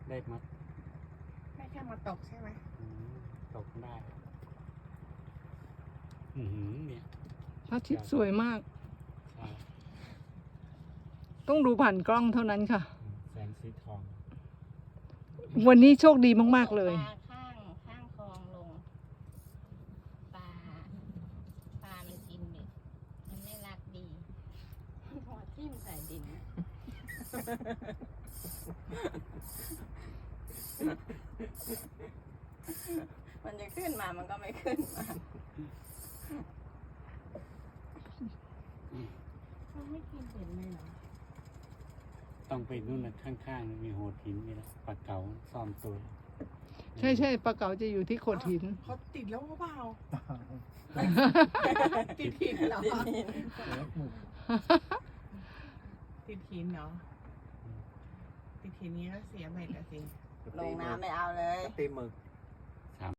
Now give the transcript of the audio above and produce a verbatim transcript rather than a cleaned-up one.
ได้มาไม่แค่มาตกใช่ไหมตกได้อือหือเนี่ยพระอาทิตย์สวยมากใช่ต้องดูผ่านกล้องเท่านั้นค่ะแสงสีทองวันนี้โชคดีมากๆเลยปลาข้างข้างคลองลงปลาปลามันกินเด็กมันไม่รักดีหัวทิ่มใส่ดินมันจะขึ้นมามันก็ไม่ขึ้นมามันไม่กินเห็นเลยเหรอต้องไปนู่นนะข้างๆมีโหดหินนี่แหละปลาเก๋าซ่อมตัวใช่ใช่ปลาเก๋าจะอยู่ที่โขดหินเขาติดแล้วหรือเปล่า ติดหินเหรอ ติดหินเหรอ ติดหินนี้ก็เสียเบ็ดอะสิลงน้ำไม่เอาเลยตีหมึก